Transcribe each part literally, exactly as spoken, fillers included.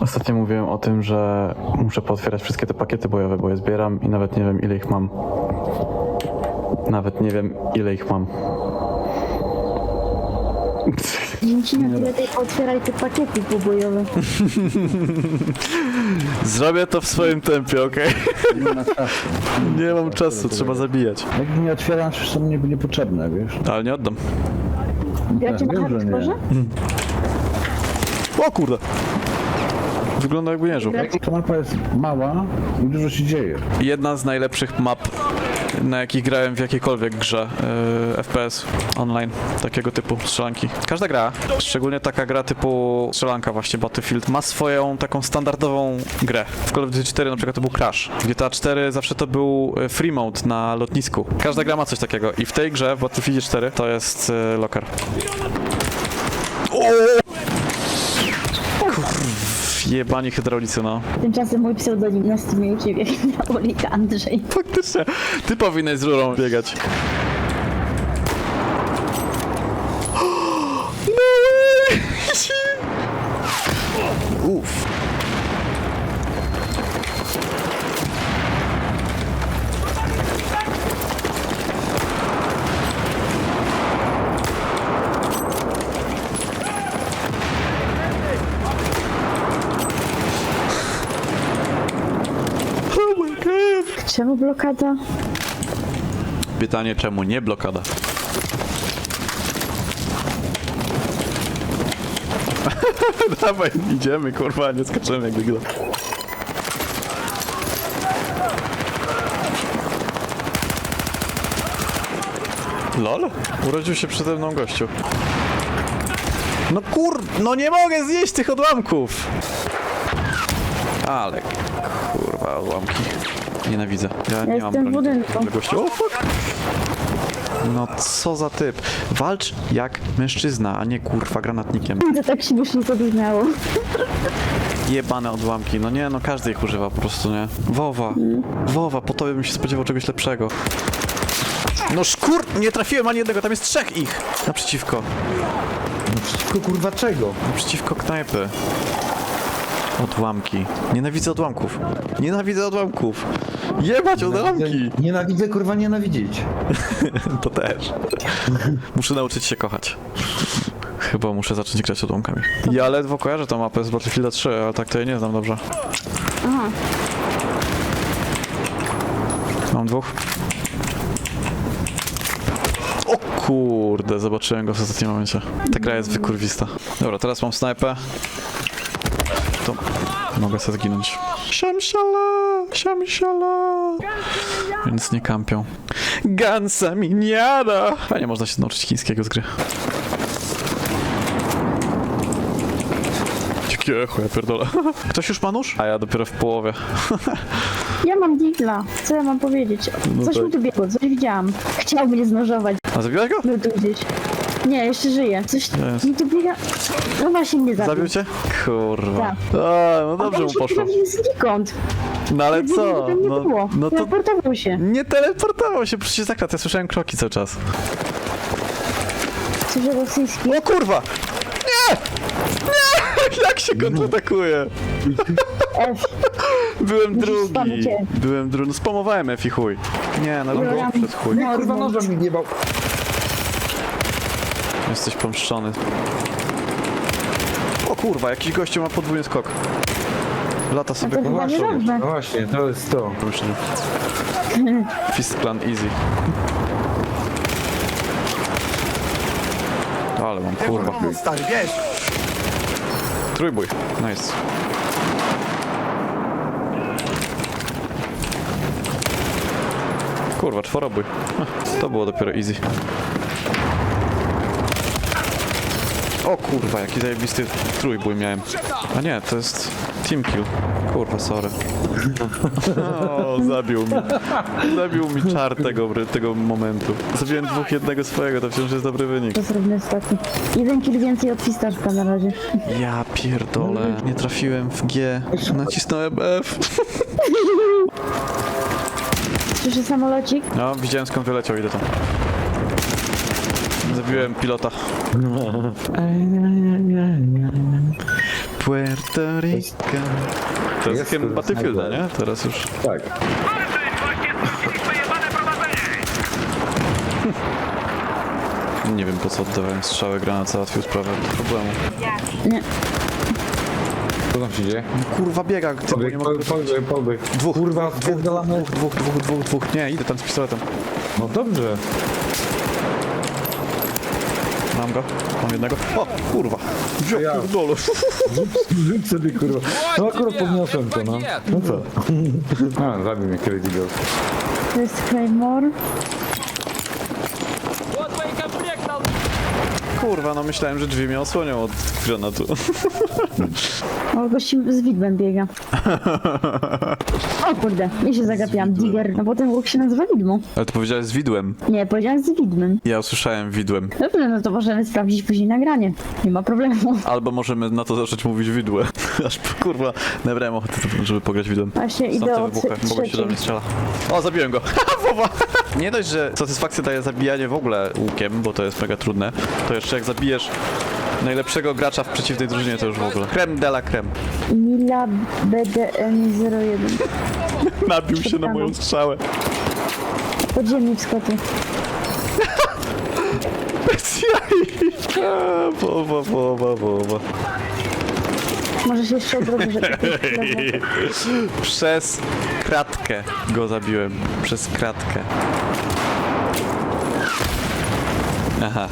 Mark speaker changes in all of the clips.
Speaker 1: Ostatnio mówiłem o tym, że muszę pootwierać wszystkie te pakiety bojowe, bo je zbieram i nawet nie wiem, ile ich mam. Nawet nie wiem, ile ich mam.
Speaker 2: Dzięki na tyle tej otwieraj te pakiety pobojowe.
Speaker 1: Zrobię to w swoim tempie, okej?
Speaker 3: Nie ma czasu.
Speaker 1: Nie mam czasu, trzeba zabijać.
Speaker 3: Jak nie otwieram, to są mnie niepotrzebne, wiesz?
Speaker 1: Ale nie oddam.
Speaker 2: Gracie
Speaker 3: Tak,
Speaker 2: na
Speaker 3: wiem, że nie.
Speaker 2: hardkorze?
Speaker 1: O kurde! Wygląda jakby nie żył.
Speaker 3: Ta mapa jest mała i dużo się dzieje.
Speaker 1: Jedna z najlepszych map, na jakich grałem w jakiejkolwiek grze yy, F P S online, takiego typu strzelanki. Każda gra, szczególnie taka gra typu strzelanka właśnie Battlefield, ma swoją taką standardową grę. W Call of Duty cztery na przykład to był Crash. W G T A cztery zawsze to był yy, free mode na lotnisku. Każda gra ma coś takiego i w tej grze, w Battlefield cztery, to jest yy, locker. Jebani hydraulicy, no.
Speaker 2: Tymczasem mój pseudonim na Steamie u ciebie Olik Andrzej.
Speaker 1: Faktycznie. Ty powinieneś z rurą biegać. No way! Uff. Oh my god.
Speaker 2: Czemu blokada?
Speaker 1: Pytanie, czemu nie blokada? Dawaj, idziemy, kurwa, nie skaczemy jak wygla. Lol? Urodził się przede mną gościu. No kur... No nie mogę zjeść tych odłamków! Ale... Kurwa, odłamki. Nienawidzę. Ja nie mam
Speaker 2: jestem w
Speaker 1: broni
Speaker 2: budynku.
Speaker 1: do gościu. O fuck! No co za typ. Walcz jak mężczyzna, a nie kurwa granatnikiem.
Speaker 2: To tak śmiesznie zabrzmiało.
Speaker 1: Jebane odłamki. No nie, no każdy ich używa po prostu, nie? Wowa. Wowa, po tobie bym się spodziewał czegoś lepszego. No szkur... Nie trafiłem ani jednego, tam jest trzech ich! Naprzeciwko.
Speaker 3: No przeciwko kurwa czego?
Speaker 1: Naprzeciwko knajpy. Odłamki. Nienawidzę odłamków. Nienawidzę odłamków. Jebać odłamki!
Speaker 3: Nienawidzę kurwa nienawidzieć.
Speaker 1: To też. Muszę nauczyć się kochać. Chyba muszę zacząć grać odłamkami. Ja ledwo kojarzę tą mapę z Battlefielda trzy, ale tak to jej nie znam dobrze.
Speaker 2: Aha.
Speaker 1: Mam dwóch. O kurde, zobaczyłem go w ostatnim momencie. Ta gra jest wykurwista. Dobra, teraz mam snajpę. To mogę sobie zginąć. Siamsiala, siamsiala. Więc nie kampią. Gansa miniara. Fajnie można się nauczyć chińskiego z gry. Jakie echo, ja pierdolę. Ktoś już ma nóż? A ja dopiero w połowie.
Speaker 2: Ja mam digla. Co ja mam powiedzieć?
Speaker 1: No
Speaker 2: Coś
Speaker 1: tak.
Speaker 2: mi tu biegło, coś widziałam. Chciał mnie znożować.
Speaker 1: A zabiłaś go?
Speaker 2: Był tu gdzieś. Nie, jeszcze żyje. Coś
Speaker 1: Jest.
Speaker 2: mi tu biega. No właśnie mnie zabił.
Speaker 1: Zabił cię? Kurwa.
Speaker 2: Tak.
Speaker 1: A, no dobrze
Speaker 2: A
Speaker 1: mu
Speaker 2: on się
Speaker 1: poszło.
Speaker 2: pojawił znikąd.
Speaker 1: No ale
Speaker 2: Nigdy
Speaker 1: co?
Speaker 2: go tam nie
Speaker 1: No,
Speaker 2: było.
Speaker 1: no to
Speaker 2: Teleportował się.
Speaker 1: nie teleportował się, przecież zakład, ja słyszałem kroki cały czas.
Speaker 2: Coś rosyjski.
Speaker 1: O kurwa! Nie! Nie! Jak się kontratakuje?
Speaker 2: F.
Speaker 1: Byłem
Speaker 2: Musisz
Speaker 1: drugi.
Speaker 2: spamować.
Speaker 1: Byłem drugi. No spamowałem F i chuj. Nie, no
Speaker 2: Ja-
Speaker 1: no przed chuj.
Speaker 2: No,
Speaker 3: Kurwa nożem mi wjebał.
Speaker 1: Jesteś pomszczony. O kurwa, jakiś gościu ma podwójny skok. Lata sobie
Speaker 2: to
Speaker 1: kurwa.
Speaker 2: chyba nie dobrze.
Speaker 3: No właśnie, to jest to.
Speaker 1: Myślę. Fist Clan easy. Ale mam kurwa.
Speaker 4: Stary, wiesz!
Speaker 1: Trójbój. Nice. Kurwa, czworobój. Huh, to było dopiero easy. O kurwa, jaki zajebisty trójbój miałem. A nie, to jest team kill. Kurwa, sorry. O, zabił mi. Zabił mi czar tego, tego momentu. Zabiłem dwóch jednego swojego, to wciąż jest dobry wynik.
Speaker 2: To zrobimy ostatni. Jeden kill więcej od Fistaszka na razie.
Speaker 1: Ja pierdolę. Nie trafiłem w G. Nacisnąłem F.
Speaker 2: Słyszę samolocik?
Speaker 1: No, widziałem skąd wyleciał, idę tam. Zabiłem pilota. Puerto Rico. To jest
Speaker 3: Jest,
Speaker 1: hymn
Speaker 3: kurwa,
Speaker 1: Battlefielda,
Speaker 3: snajper.
Speaker 1: nie? Teraz już.
Speaker 3: Tak.
Speaker 1: Nie wiem po co oddawałem strzały, granat załatwił sprawę bez problemu.
Speaker 2: Nie.
Speaker 3: Co tam się dzieje?
Speaker 1: Kurwa biega, ty, bo nie
Speaker 3: Pobieg,
Speaker 1: mogę...
Speaker 3: pobieg, pobieg.
Speaker 1: Dwóch,
Speaker 3: Kurwa,
Speaker 1: dwóch,
Speaker 3: spierdolamy.
Speaker 1: dwóch, dwóch, dwóch, dwóch, dwóch. Nie, idę tam z pistoletem.
Speaker 3: No dobrze.
Speaker 1: Mam go, mam jednego. O, kurwa. Wziął
Speaker 3: Ja.
Speaker 1: pierdolę.
Speaker 3: Rzuć sobie kurwa. No akurat podniosłem to, no. No co? A, zabił mnie Crazy Ghost.
Speaker 2: To jest Claymore.
Speaker 1: Kurwa, no myślałem, że drzwi mnie osłonią od granatu.
Speaker 2: O, gości z widmem biega. O kurde, ja się zagapiłam. Digger. No bo ten łuk się nazywa widmo.
Speaker 1: Ale ty powiedziałeś z widłem.
Speaker 2: Nie, powiedziałam z widmem.
Speaker 1: Ja usłyszałem widłem.
Speaker 2: Dobrze, no to możemy sprawdzić później nagranie. Nie ma problemu.
Speaker 1: Albo możemy na to zacząć mówić widłe. Aż kurwa, nabrałem ochoty, żeby pograć widłem.
Speaker 2: Właśnie
Speaker 1: Są
Speaker 2: idę
Speaker 1: te
Speaker 2: o
Speaker 1: wybuchy,
Speaker 2: trze-
Speaker 1: mogą się do
Speaker 2: trzeciej.
Speaker 1: mnie strzela. O, zabiłem go. Wowa. Nie dość, że satysfakcja daje zabijanie w ogóle łukiem, bo to jest mega trudne, to jeszcze jak zabijesz najlepszego gracza w przeciwnej drużynie, to już w ogóle. Creme de la creme.
Speaker 2: Mila B D N zero jeden.
Speaker 1: Nabił się na moją strzałę.
Speaker 2: Podziemnik Skoty.
Speaker 1: Bez jaj. A, Wowa, wowa, wowa.
Speaker 2: Może się jeszcze odrobię, że to jest lewo.
Speaker 1: Przez kratkę go zabiłem. Przez kratkę. Aha.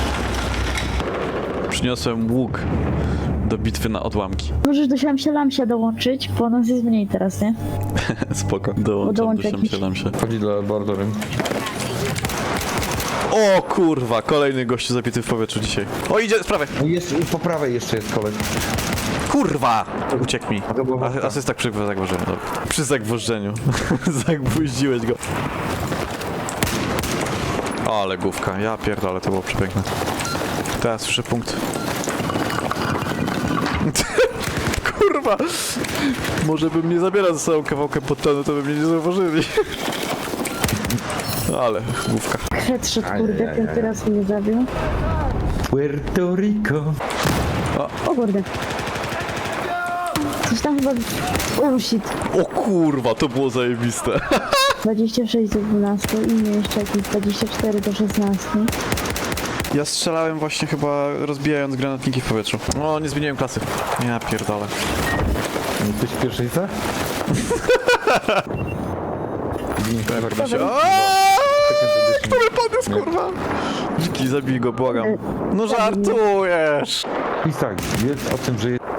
Speaker 1: Przyniosłem łuk do bitwy na odłamki.
Speaker 2: Możesz do siamsia lamsia dołączyć, bo nas jest mniej teraz, nie?
Speaker 1: Spoko. Dołączam
Speaker 2: Dołącz
Speaker 1: do
Speaker 2: jakiś.
Speaker 1: się, dam się.
Speaker 3: Chodzi do laboratorium.
Speaker 1: O kurwa, kolejny gościu zabity w powietrzu dzisiaj. O, idzie z prawej.
Speaker 3: No i jeszcze, i po prawej jeszcze jest koleś.
Speaker 1: Kurwa! Uciekł mi.
Speaker 3: to było
Speaker 1: A-
Speaker 3: mocno.
Speaker 1: Asysta przy zagwożeniu. Dobra. Przy zagwożeniu. Zagwoździłeś go. O, ale główka. Ja pierdolę, to było przepiękne. Teraz słyszę punkt. Kurwa! Może bym nie zabierał ze sobą kawałkę podtonu, to by mnie nie zauważyli. Ale główka.
Speaker 2: Kret szedł, kurde, ten teraz mnie zabił.
Speaker 3: Puerto Rico.
Speaker 2: O kurde. Coś tam chyba... Oh shit.
Speaker 1: O kurwa, to było zajebiste.
Speaker 2: dwadzieścia sześć do dwunastu i nie jeszcze jakieś dwadzieścia cztery do szesnastu.
Speaker 1: Ja strzelałem właśnie chyba rozbijając granatniki w powietrzu. O, nie zmieniłem klasy. Ja pierdolę.
Speaker 3: Jesteś w pierwszej C?
Speaker 1: Kto mnie podniósł, kurwa? Dziki, zabij go, błagam. No żartujesz!
Speaker 3: I tak, wiedz o tym, że jest...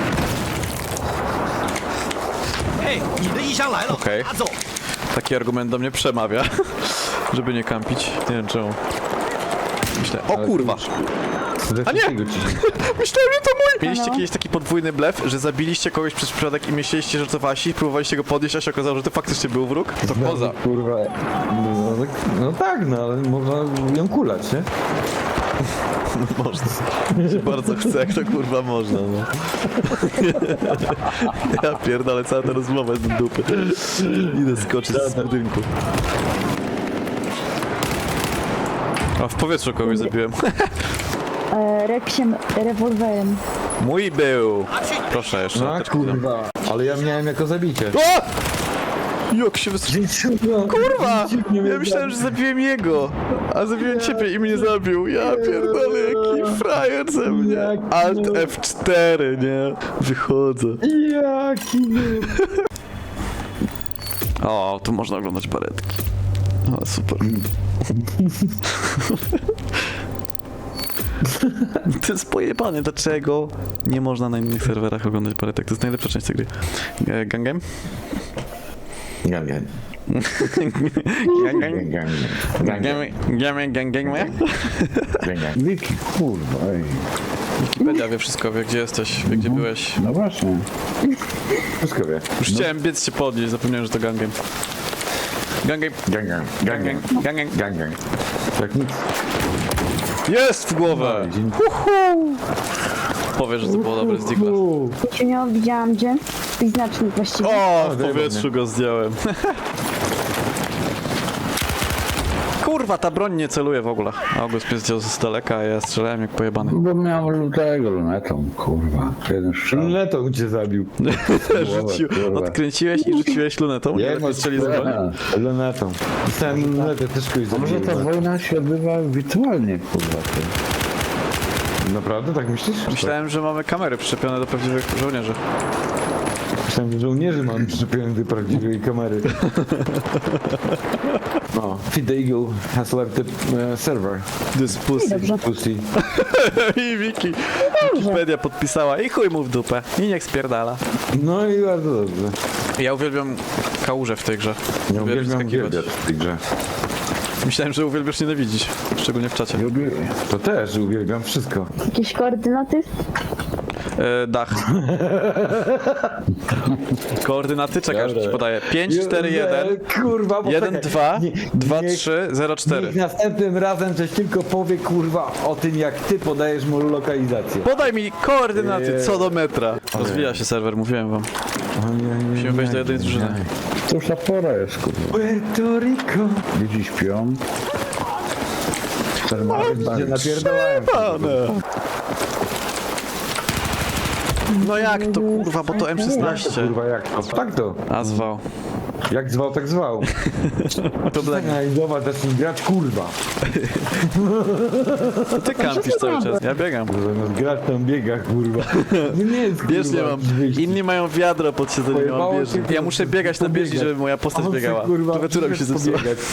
Speaker 4: 嘿，你的衣箱来了，
Speaker 1: Okej.
Speaker 4: 拿走。
Speaker 1: Taki argument do mnie przemawia, żeby nie kampić. Nie wiem czemu. Myślę, o kurwa!
Speaker 3: A
Speaker 1: nie!
Speaker 3: nie!
Speaker 1: Myślałem, że to mój! Mieliście
Speaker 2: Halo?
Speaker 1: kiedyś taki podwójny blef, że zabiliście kogoś przez przypadek i myśleliście, że to wasi, próbowaliście go podnieść, a się okazało, że to faktycznie był wróg? To poza.
Speaker 3: Kurwa. No, tak, no tak, no ale można ją kulać, nie?
Speaker 1: Można. Się bardzo chce, jak to kurwa można, no. Ja pierdolę, cała ta rozmowa jest do dupy. Idę skoczyć z budynku. A w powietrzu kogoś zabiłem.
Speaker 2: E, Reksiem rewolwerem.
Speaker 1: Mój był! Proszę jeszcze.
Speaker 3: No
Speaker 1: apteczkę dam.
Speaker 3: kurwa. Ale ja miałem jako zabicie.
Speaker 1: O! Jak się wystrzelił? Kurwa! Ja myślałem, że zabiłem jego, a zabiłem ciebie i mnie zabił. Ja pierdolę, jaki frajer ze mnie. Alt F cztery, nie? Wychodzę.
Speaker 3: Jaki był.
Speaker 1: O, tu można oglądać baretki. O, super. To jest pojebane, dlaczego nie można na innych serwerach oglądać baretek? To jest najlepsza część tej gry. E, Gang game?
Speaker 3: Gang, gang.
Speaker 1: Gang gang?
Speaker 3: Gang,
Speaker 1: Gang
Speaker 3: gang.
Speaker 1: gang, gang gang, gang moja?
Speaker 3: Gang, gang. Wiki, kurwa, ej.
Speaker 1: Wikipedia wie wszystko, wie gdzie jesteś, wie gdzie byłeś.
Speaker 3: No właśnie. Wszystko wie.
Speaker 1: Już chciałem biec się podnieść, zapomniałem, że to gang game. Gang game,
Speaker 3: Gang, gang. Gang,
Speaker 1: gang
Speaker 3: gang.
Speaker 1: gang, gang gang.
Speaker 3: Gang, gang. Jak nic.
Speaker 1: Jest w głowę!
Speaker 3: No, dzień-
Speaker 1: Powiesz, że to było dobre z Digla.
Speaker 3: Uuu.
Speaker 2: Cię nie widziałam gdzie? I znacznik właściwie.
Speaker 1: O, w
Speaker 3: daj
Speaker 1: powietrzu go zdjąłem. Kurwa, ta broń nie celuje w ogóle. August mnie zdjął z daleka, a ja strzelałem jak pojebany.
Speaker 5: Bo miałem tego lunetą, kurwa. Jeden strzał.
Speaker 3: Lunetą cię zabił.
Speaker 1: Rzucił,
Speaker 3: kurwa.
Speaker 1: odkręciłeś i rzuciłeś lunetą.
Speaker 3: Ja
Speaker 1: Nie lepiej strzeli z broni.
Speaker 3: Lunetą. Dostałem lunetę, też kogoś
Speaker 5: A może ta
Speaker 3: zabiłem.
Speaker 5: wojna się odbywa wirtualnie, kurwa. Ty.
Speaker 3: Naprawdę, tak myślisz?
Speaker 1: Myślałem, że mamy kamery przyczepione do prawdziwych żołnierzy.
Speaker 3: Myślałem, że żołnierzy mam przyczepione do prawdziwej kamery. No, Feed the Eagle has left the uh, server.
Speaker 1: This pussy.
Speaker 2: Dobrze.
Speaker 3: Pussy.
Speaker 1: I Wiki. Wikipedia podpisała i chuj mu w dupę. I niech spierdala.
Speaker 3: No i bardzo dobrze.
Speaker 1: Ja uwielbiam kałuże w tej grze.
Speaker 3: Nie
Speaker 1: Uwielbiam
Speaker 3: uwielbiam
Speaker 1: skakiwać.
Speaker 3: uwielbiać w tej grze.
Speaker 1: Myślałem, że uwielbiasz nienawidzić. Szczególnie w czacie.
Speaker 5: Lubię.
Speaker 3: To też uwielbiam wszystko.
Speaker 2: Jakieś koordynaty?
Speaker 1: E, dach. Koordynaty, czekaj, że ci podaję. pięć, cztery, jeden,
Speaker 3: Kurwa, bo
Speaker 1: jeden,
Speaker 3: czekaj.
Speaker 1: dwa,
Speaker 3: Nie-
Speaker 1: dwa,
Speaker 3: niech-
Speaker 1: trzy, zero, cztery.
Speaker 3: Niech następnym razem coś tylko powie, kurwa, o tym, jak ty podajesz mu lokalizację.
Speaker 1: Podaj mi koordynaty co do metra. Rozwija się serwer, mówiłem wam. Musimy wejść do jednej drużyny.
Speaker 5: To już ta pora jest, kurwa.
Speaker 3: Puerto Rico.
Speaker 5: Ludzi śpią. Termary
Speaker 3: Gdzie
Speaker 5: bawią.
Speaker 3: napierdalałem.
Speaker 1: No jak to kurwa, bo to M szesnaście.
Speaker 3: Kurwa, jak to? Tak to.
Speaker 1: A zwał.
Speaker 3: Jak zwał, tak zwał.
Speaker 1: Problem.
Speaker 3: Ej, zobacz, zacznij grać, kurwa.
Speaker 1: To ty kampisz cały czas. Ja biegam.
Speaker 3: Zamiast grać tam biega, kurwa. No nie jest, kurwa.
Speaker 1: Bieżnie mam.
Speaker 3: wyjście.
Speaker 1: Inni mają wiadro pod siedzeniem, mam
Speaker 3: Pojebało
Speaker 1: bieżnię.
Speaker 3: cię,
Speaker 1: Ja muszę biegać na bieżni, żeby moja postać
Speaker 3: On chce,
Speaker 1: biegała.
Speaker 3: kurwa,
Speaker 1: Klawiatura mi się
Speaker 3: przyszedł
Speaker 1: zepsuła.
Speaker 3: pobiegać.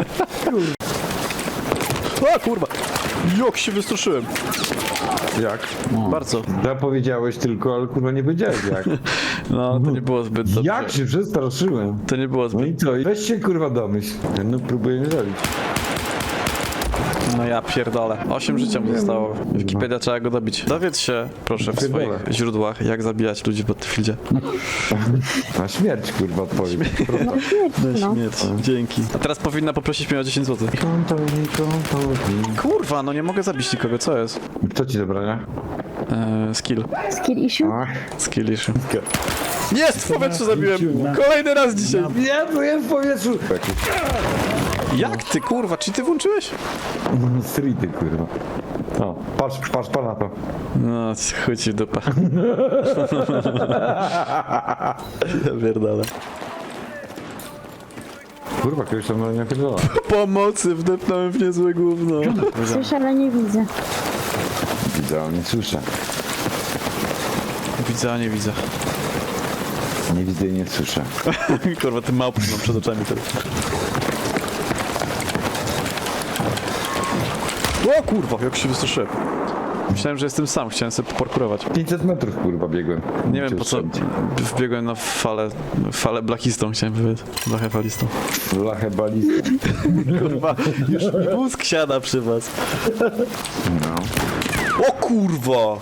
Speaker 1: O kurwa! Jak się wystraszyłem.
Speaker 3: Jak?
Speaker 1: Bardzo.
Speaker 3: Zapowiedziałeś tylko, ale kurwa nie powiedziałeś jak.
Speaker 1: No, to nie było zbyt dobrze.
Speaker 3: Jak się przestraszyłem?
Speaker 1: To nie było
Speaker 3: No
Speaker 1: zbyt...
Speaker 3: i co? Weź się kurwa domyśl. No próbuję mnie zabić.
Speaker 1: No ja pierdolę. Osiem życia mu zostało. Wikipedia trzeba go dobić. Dowiedz się, proszę, w swoich
Speaker 3: Pierdolę.
Speaker 1: źródłach, jak zabijać ludzi w Battlefieldzie.
Speaker 3: Na śmierć kurwa odpowiedź.
Speaker 2: No śmierć, no.
Speaker 1: Śmierć. Dzięki. A teraz powinna poprosić mnie o dziesięć złotych.
Speaker 3: Kontoni, kontoni.
Speaker 1: Kurwa, no nie mogę zabić nikogo, co jest?
Speaker 3: Kto ci zabrania?
Speaker 1: Eee, skill.
Speaker 2: Skill issue?
Speaker 3: Ach.
Speaker 1: Skill issue. Jest! W powietrzu zabiłem! Kolejny raz dzisiaj!
Speaker 3: Nie, to jest w powietrzu.
Speaker 1: Jak ty, kurwa, czy ty włączyłeś?
Speaker 3: Streety kurwa. O, patrz, patrz, patrz na to.
Speaker 1: No, chuj ci w dupę. Ja pierdolę.
Speaker 3: Kurwa, kiedyś tam na nie napierdala.
Speaker 1: Pomocy, wdepnąłem w niezłe gówno.
Speaker 2: Słyszę, ale nie widzę.
Speaker 3: Widzę, ale nie słyszę.
Speaker 1: Widzę, a nie widzę.
Speaker 3: Nie widzę i nie słyszę.
Speaker 1: Kurwa, ty małpy mam przed oczami teraz. O kurwa, jak się wystraszyłem. Myślałem, że jestem sam, chciałem sobie poparkurować.
Speaker 3: pięćset metrów kurwa biegłem.
Speaker 1: Nie wiem po co wbiegłem na falę, falę blachistą, chciałem powiedzieć. Blachę falistą.
Speaker 3: Lachę balistę.
Speaker 1: Kurwa, już mi mózg siada przy was.
Speaker 3: No.
Speaker 1: O kurwa!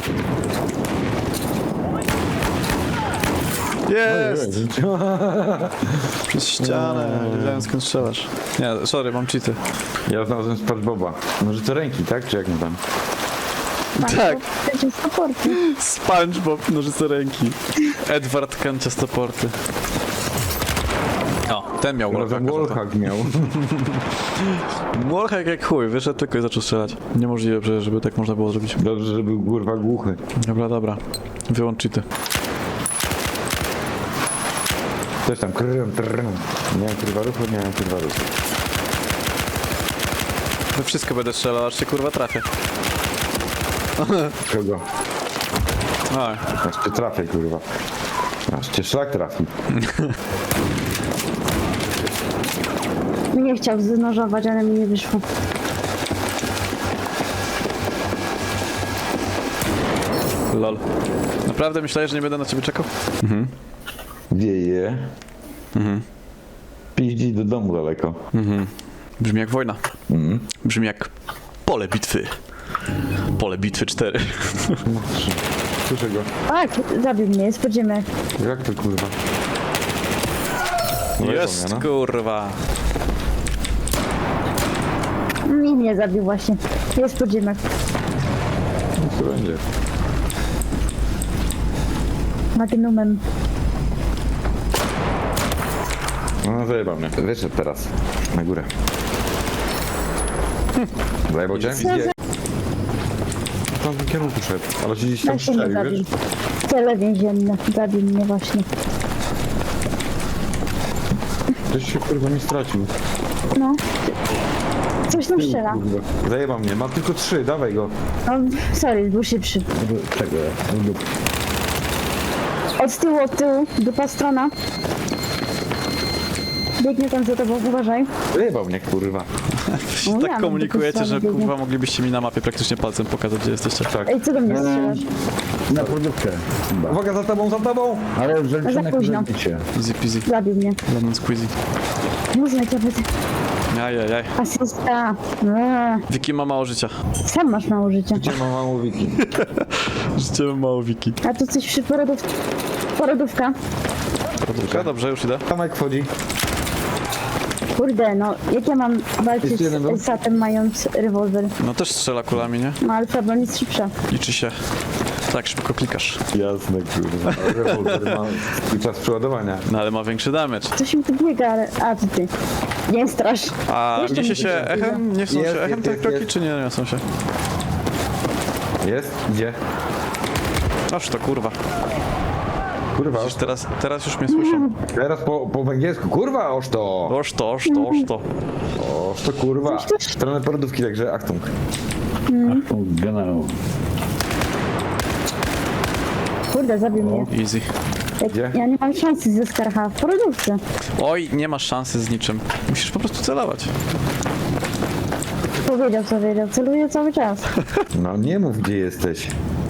Speaker 1: Jest! Przez ścianę, nie wiedziałem skąd strzelasz. Nie, sorry, mam cheaty.
Speaker 3: Ja znalazłem SpongeBoba. Może to ręki, tak? Czy jak nie tam?
Speaker 1: Tak.
Speaker 2: Chcecie supporty.
Speaker 1: SpongeBob, nożyce ręki. Edward kanciastoporty. O, ten miał
Speaker 3: Razem
Speaker 1: wallhacka.
Speaker 3: wallhack miał.
Speaker 1: Wallhack jak chuj, wyszedł tylko i zaczął strzelać. Niemożliwe przecież, żeby tak można było zrobić.
Speaker 3: Dobrze, że był kurwa głuchy.
Speaker 1: Dobra, dobra. Wyłącz cheaty.
Speaker 3: Coś tam krrrm, trrrm. Nie mam kurwa ruchu, nie mam kurwa ruchu.
Speaker 1: We wszystko będę strzelał, aż się kurwa trafię.
Speaker 3: Kogo?
Speaker 1: Oj.
Speaker 3: Aż cię trafię kurwa. Aż cię szlak trafi.
Speaker 2: Nie chciał znożować, ale mi nie wyszło.
Speaker 1: Lol. Naprawdę myślałeś, że nie będę na ciebie czekał?
Speaker 3: Wieje. Mhm. Piździ do domu daleko.
Speaker 1: Brzmi jak wojna. Brzmi jak pole bitwy. Pole bitwy cztery.
Speaker 3: Słyszę go.
Speaker 2: Tak, zabił mnie, jest podziemek.
Speaker 3: Jak to kurwa?
Speaker 1: Jest
Speaker 3: no.
Speaker 1: kurwa.
Speaker 2: Mnie nie zabił właśnie. Jest podziemek.
Speaker 3: Co będzie?
Speaker 2: Magnumem.
Speaker 3: No zajebał mnie. Wyszedł teraz. Na górę. Zajebał cię?
Speaker 2: Co za...
Speaker 3: Gdzie? W tamtym kierunku szedł, ale się gdzieś tam
Speaker 2: Jak się mnie
Speaker 3: strzelił,
Speaker 2: zabił?
Speaker 3: wiesz?
Speaker 2: Cele więzienne. Zabił mnie właśnie.
Speaker 3: Ktoś się kurwa nie stracił.
Speaker 2: No. Coś tam strzela.
Speaker 3: Kurwa. Zajebał mnie, ma tylko trzy, dawaj go.
Speaker 2: No, sorry, był szybszy.
Speaker 5: Czego?
Speaker 2: Od tyłu, od tyłu. Dupa strona. Biegnie tam za tobą, uważaj.
Speaker 3: Zajebał mnie, kurwa.
Speaker 2: No, ja
Speaker 1: Tak
Speaker 2: mam
Speaker 1: komunikujecie,
Speaker 2: taką
Speaker 1: że
Speaker 2: stronę,
Speaker 1: kurwa moglibyście mi na mapie praktycznie palcem pokazać, gdzie jesteście.
Speaker 3: Tak.
Speaker 2: Ej, co do mnie strzelasz?
Speaker 5: Na produktę. Chyba.
Speaker 3: Uwaga, za tobą, za tobą!
Speaker 5: Ale
Speaker 2: Za
Speaker 5: zaliczone
Speaker 2: późno.
Speaker 5: zabicie.
Speaker 1: Easy peasy.
Speaker 2: Zabił mnie.
Speaker 1: Lemon squeezy.
Speaker 2: Muzyka, nawet
Speaker 1: Ajajaj.
Speaker 2: asysta. Eee,
Speaker 1: Wiki ma mało życia.
Speaker 2: Sam masz mało życia.
Speaker 3: Gdzie mam mało wiki?
Speaker 1: Życie ma mało Wiki.
Speaker 2: A tu coś przy porodów... Porodówka.
Speaker 1: Dobrze, dobrze, już idę.
Speaker 3: Tomek wchodzi.
Speaker 2: Kurde, no, jak ja mam walczyć
Speaker 3: Jeszcze jeden był?
Speaker 2: z Satem mając rewolwer?
Speaker 1: No też strzela kulami, nie?
Speaker 2: No, ale ta broń jest szybsza.
Speaker 1: Liczy się. Tak, szybko klikasz.
Speaker 3: Jasne, kurwa. Rewolwer ma swój czas przeładowania.
Speaker 1: No ale ma większy damage.
Speaker 2: Coś mi tu biega, ale... A, to ty. Nie strasz.
Speaker 1: A
Speaker 2: Jeszcze
Speaker 1: niesie
Speaker 2: mi
Speaker 1: się
Speaker 2: się
Speaker 1: echem? Nie są
Speaker 3: Jest,
Speaker 1: się echem
Speaker 3: jest,
Speaker 1: te
Speaker 3: jest,
Speaker 1: kroki,
Speaker 3: jest.
Speaker 1: czy nie niosą się?
Speaker 3: Jest? Gdzie?
Speaker 1: Aż to kurwa.
Speaker 3: Kurwa,
Speaker 1: Przecież teraz, teraz już mnie słyszą.
Speaker 3: teraz po, po węgiersku. Kurwa, oż to!
Speaker 1: Oż to, oż to, oż to.
Speaker 3: Oż to kurwa.
Speaker 2: Coś też-
Speaker 3: W stronę porodówki, także Achtung.
Speaker 5: Achtung, generał.
Speaker 2: Kurde, zabił mnie.
Speaker 1: Easy.
Speaker 2: Jak,
Speaker 3: Gdzie?
Speaker 2: ja nie mam szansy ze Skarha w porodówce.
Speaker 1: Oj, nie masz szansy z niczym. Musisz po prostu celować.
Speaker 2: Powiedział, co wiedział. Celuję cały czas.
Speaker 3: No nie mów, gdzie jesteś.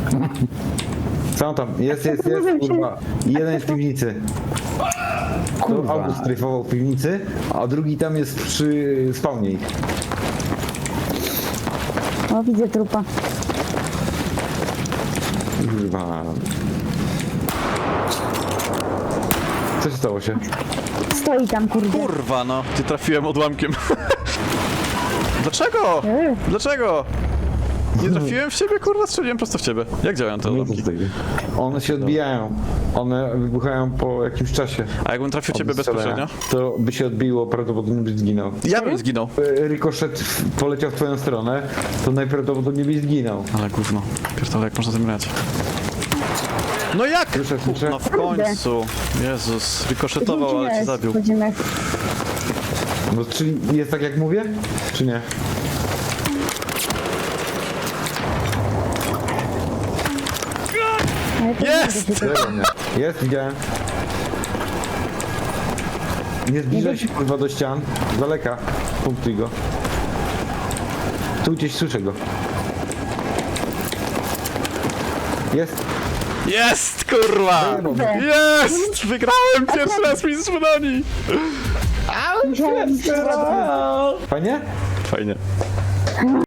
Speaker 3: Co tam? Jest, jest, jest,
Speaker 2: Mówię ci.
Speaker 3: kurwa. Jeden jest w piwnicy.
Speaker 5: Kurwa.
Speaker 3: To auto strajfował w piwnicy, a drugi tam jest przy spawnie ich.
Speaker 2: O, widzę trupa.
Speaker 3: Kurwa. Co się stało się?
Speaker 2: Stoi tam, kurde.
Speaker 1: Kurwa, no. Ty trafiłem odłamkiem. Dlaczego?
Speaker 2: Eee,
Speaker 1: Dlaczego? Nie trafiłem w ciebie, kurwa, strzeliłem prosto w ciebie. Jak działają te odłamki?
Speaker 3: One się odbijają. One wybuchają po jakimś czasie.
Speaker 1: A jakbym trafił ciebie
Speaker 3: Od strzelania.
Speaker 1: bezpośrednio?
Speaker 3: To by się odbiło, prawdopodobnie byś zginął.
Speaker 1: Ja bym zginął.
Speaker 3: E, Rykoszet poleciał w twoją stronę, to najprawdopodobniej byś zginął.
Speaker 1: Ale gówno. Pierdolę, jak można tym grać? No jak?
Speaker 3: Słyszę, słyszę.
Speaker 1: No w końcu. Jezus, rykoszetował, ale cię
Speaker 2: godzina
Speaker 1: zabił.
Speaker 2: jest, godzina.
Speaker 3: No czyli jest tak jak mówię? Czy nie?
Speaker 2: Ale to
Speaker 1: Jest!
Speaker 2: nie będzie
Speaker 3: Zero mnie. Jest, widziałem. Nie zbliżaj się kurwa do ścian. Z daleka. Punktuj go. Tu gdzieś słyszę go. Jest.
Speaker 1: Jest, kurwa!
Speaker 2: Kurde.
Speaker 1: Jest! Wygrałem pierwszy raz mistrz broni!
Speaker 2: Musiałem
Speaker 3: Fajnie?
Speaker 1: Fajnie.